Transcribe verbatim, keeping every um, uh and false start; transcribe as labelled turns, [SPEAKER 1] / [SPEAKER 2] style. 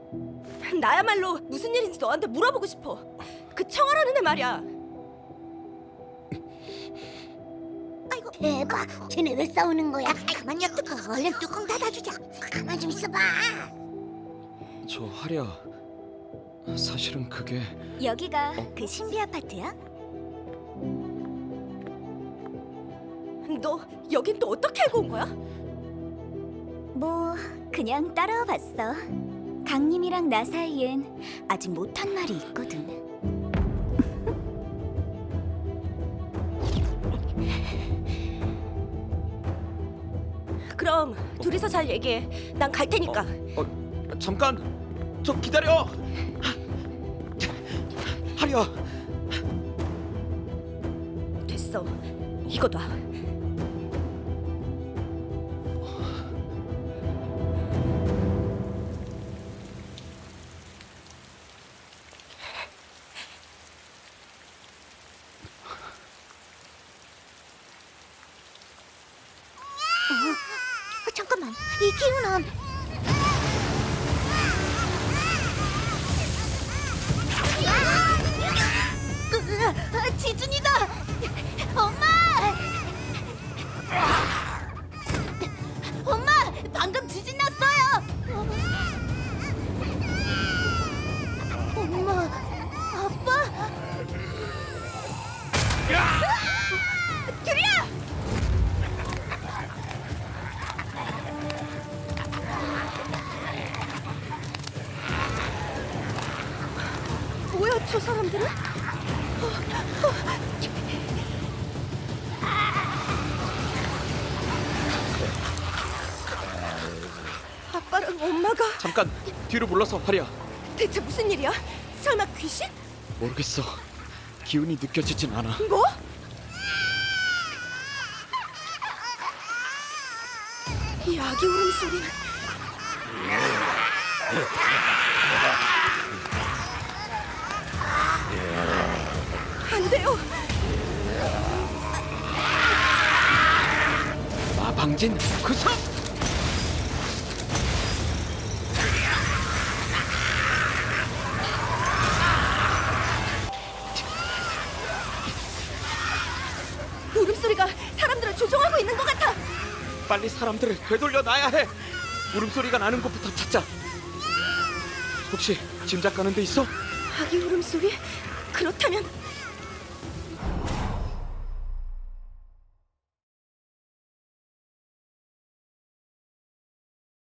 [SPEAKER 1] 나야말로 무슨 일인지 너한테 물어보고 싶어. 그 청아라는 애 말이야.
[SPEAKER 2] 아이고 대박. 쟤네 왜 싸우는 거야? 가만 냅두고 얼른 뚜껑 닫아주자. 가만 좀 있어봐.
[SPEAKER 3] 저 하랴, 사실은 그게
[SPEAKER 2] 여기가 그 신비 아파트야?
[SPEAKER 1] 너 여긴 또 어떻게 알고 온 거야?
[SPEAKER 2] 뭐 그냥 따라와 봤어. 강님이랑 나 사이엔 아직 못한 말이 있거든.
[SPEAKER 1] 그럼 둘이서 잘 얘기해. 난 갈 테니까.
[SPEAKER 3] 어, 어, 잠깐, 저 기다려. 하랴,
[SPEAKER 1] 됐어. 이거 놔.
[SPEAKER 2] 어, 잠깐만, 이 기운은 으, 지준이다. 엄마! 엄마, 방금 지진 났어요. 엄마, 아빠. 둘이야!
[SPEAKER 1] 뭐야 저 사람들은? 아빠랑 엄마가
[SPEAKER 3] 잠깐 뒤로 물러서. 하랴,
[SPEAKER 1] 대체 무슨 일이야? 설마 귀신?
[SPEAKER 3] 모르겠어. 기운이 느껴지진 않아.
[SPEAKER 1] 뭐? 이 아기 울음소리는 안 돼요.
[SPEAKER 3] 마방진 그성.
[SPEAKER 1] 울음소리가 사람들을 조종하고 있는 것 같아.
[SPEAKER 3] 빨리 사람들을 되돌려 놔야 해. 울음소리가 나는 곳부터 찾자. 혹시 짐작 가는 데 있어?
[SPEAKER 1] 아기 울음소리? 그렇다면